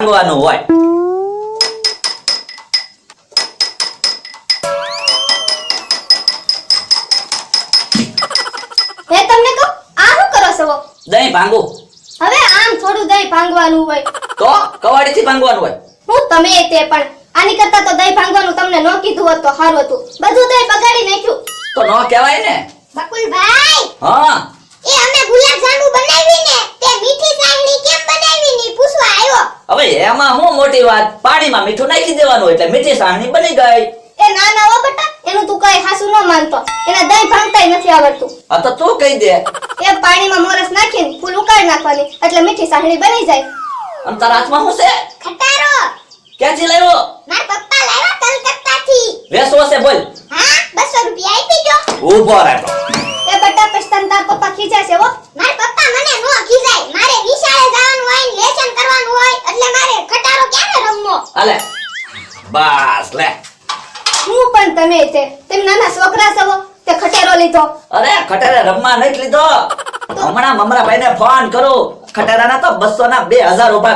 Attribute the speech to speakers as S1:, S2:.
S1: ભાંગવાનું હોય.
S2: હે તમને કહું આ શું કરો છો?
S1: દહીં ભાંગું.
S2: હવે આમ થોડું દહીં ભાંગવાનું હોય.
S1: તો કવાડીથી ભાંગવાનું હોય.
S2: હું તમે તે પણ આની કરતા તો દહીં ભાંગવાનું તમને ન કીધું હોત તો સારું હતું. બધું દહીં બગાડી નાખ્યું.
S1: તો ન કહેવાય ને.
S2: બકુલભાઈ
S1: હા
S2: એ અમે ગુલાબ જાંબુ બનાવી ને તે મીઠી સાંગણી કેમ બનાવી ની પૂછવા આવ્યો.
S1: હવે એમાં હું મોટી વાત, પાણીમાં મીઠું નાખી દેવાનું એટલે મીઠી સાંગણી બની ગઈ.
S2: એ ના ના હો બેટા એનું તું કઈ હાસુ ન માનતો. એને દહીં ભાંગતાય નથી આવડતું.
S1: આ તો તું કહી દે.
S2: એ પાણીમાં મોરસ નાખીને ફૂલ ઉકાળી નાખવાની એટલે મીઠી સાંગણી બની જાય.
S1: અને તારા હાથમાં શું છે?
S2: ખટારો
S1: ક્યાંથી લાવ્યો?
S2: માર પપ્પા લાવ્યા કલકત્તાથી.
S1: વેસવો છે બોલ.
S2: હા 200 રૂપિયા આપી દો.
S1: ઊભો રહેતો.
S2: એ બેટા પછતાન તાર પપ્પા ખીજાશે હો. માર પપ્પા મને નો ખીજાય. મારે નિશાળે જવાનું હોય ને લેસન કરવાનું હોય એટલે મારે ખટારો ક્યારે રમવો.
S1: આલે બસ લે.
S2: હું પણ તમે તેમ નાના છોકરા છો તે ખટેરો લીધો.
S1: અરે ખટારા રમવા નથી લીધો. હમણાં મમરાભાઈને ફોન કરું. ખટારાના તો 200 ના 2000 ઉભા